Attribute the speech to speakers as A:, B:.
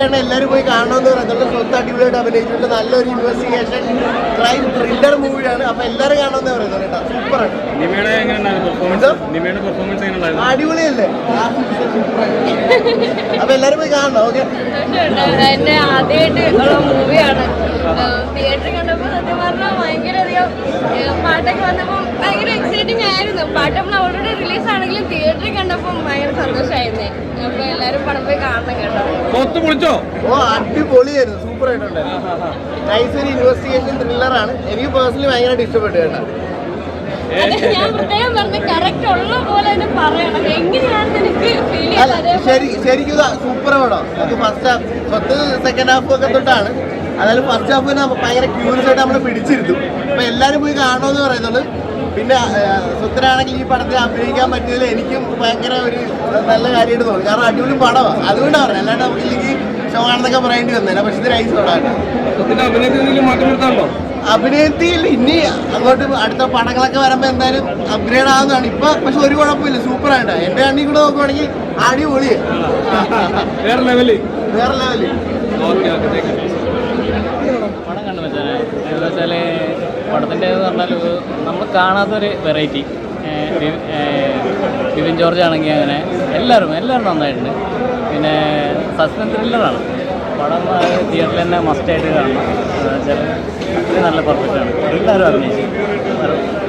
A: എല്ലാവരും പോയി കാണണമെന്ന് പറയുന്നത് സ്വത്ത് അടിപൊളിയായിട്ട് അഭിനയിച്ചിട്ടുണ്ട്. നല്ലൊരു ഇൻവെസ്റ്റിഗേഷൻ ക്രൈം ത്രില്ലർ മൂവിയാണ്. അപ്പൊ എല്ലാവരും കാണണമെന്ന് പറയുന്നത് കേട്ടോ. സൂപ്പറാണ്. അടിപൊളിയല്ലേ? അപ്പൊ എല്ലാരും പോയി കാണണം. ഓക്കെ,
B: എന്റെ ആദ്യമായിട്ട് ഉള്ള മൂവിയാണ്. തിയേറ്ററിൽ കണ്ടപ്പോൾ സത്യം പറഞ്ഞാൽ ഭയങ്കരധികം പാട്ടൊക്കെ വന്നപ്പോൾ ഭയങ്കര എക്സൈറ്റിംഗ് ആയിരുന്നു. പാട്ട് നമ്മൾ ഓൾറെഡി റിലീസ് ആണെങ്കിലും തിയേറ്ററിൽ കണ്ടപ്പോൾ ഭയങ്കര സന്തോഷമായിരുന്നേ. അപ്പൊ എല്ലാരും പടം പോയി കാണണം കേട്ടോ.
A: ഓ അടിപൊളിയായിരുന്നു, സൂപ്പർ ആയിട്ടുണ്ട്. നൈസ് ഒരു ഇൻവെസ്റ്റിഗേഷൻ ത്രില്ലറാണ്. എനിക്ക് പേഴ്സണലി ഭയങ്കരമായിട്ട് ഇഷ്ടപ്പെട്ടു കേട്ടോ.
B: ഞാൻ പ്രത്യേകം പറഞ്ഞ കറക്റ്റ് ഉള്ള പോലെ തന്നെ പറയണം. എങ്ങനെയാണെന്ന് എനിക്ക് ഫീൽ ചെയ്യുന്നത്.
A: ശരിക്കും സൂപ്പർ പടം. ഫസ്റ്റ് ഹാഫ് സ്വത്ത് സെക്കൻഡ് ഹാഫ് ഒക്കെ തൊട്ടാണ്. അതായത് ഫസ്റ്റ് ഹാഫിന് ഭയങ്കര ക്യൂരിയസ് ആയിട്ട് നമ്മൾ പിടിച്ചിരുന്നു. അപ്പൊ എല്ലാരും പോയി കാണണമെന്ന് പറയുന്നുള്ളൂ. പിന്നെ സ്വത്തിനാണെങ്കിൽ ഈ പടത്തിൽ അഭിനയിക്കാൻ പറ്റിയതിൽ എനിക്കും ഭയങ്കര ഒരു നല്ല കാര്യമായിട്ട് തോന്നി. കാരണം അടിപൊളി പടമാണ്, അതുകൊണ്ടാണ് പറഞ്ഞത്. അല്ലാണ്ട് നമുക്കില്ലെങ്കിൽ ഷോയാണെന്നൊക്കെ പറയേണ്ടി വന്നേനെ. പക്ഷെ ഇത് നൈസ് പടമാണ്. അഭിനയത്തിൽ ഇനി അങ്ങോട്ട് അടുത്ത പടങ്ങളൊക്കെ വരുമ്പോൾ എന്തായാലും അപ്ഗ്രേഡ് ആവുന്നതാണ്. ഇപ്പൊ പക്ഷെ ഒരു കുഴപ്പമില്ല, സൂപ്പറായിട്ട്. എന്റെ കണ്ണി കൂടെ നോക്കുവാണെങ്കിൽ അടിപൊളി, വേറെ ലെവല്.
C: പടം കണ്ടു വെച്ചാൽ പടത്തിൻ്റെ പറഞ്ഞാൽ നമ്മൾ കാണാത്തൊരു വെറൈറ്റി. ബിബിൻ ജോർജ് ആണെങ്കിൽ അങ്ങനെ എല്ലാവരും നന്നായിട്ടുണ്ട്. പിന്നെ സസ്പെൻസ് ത്രില്ലറാണ് പടം. തിയേറ്ററിൽ തന്നെ മസ്റ്റായിട്ട് കാണണം. വെച്ചാൽ അത്രയും നല്ല പെർഫെക്റ്റാണ്. എല്ലാവരും അഭിനയിച്ചു.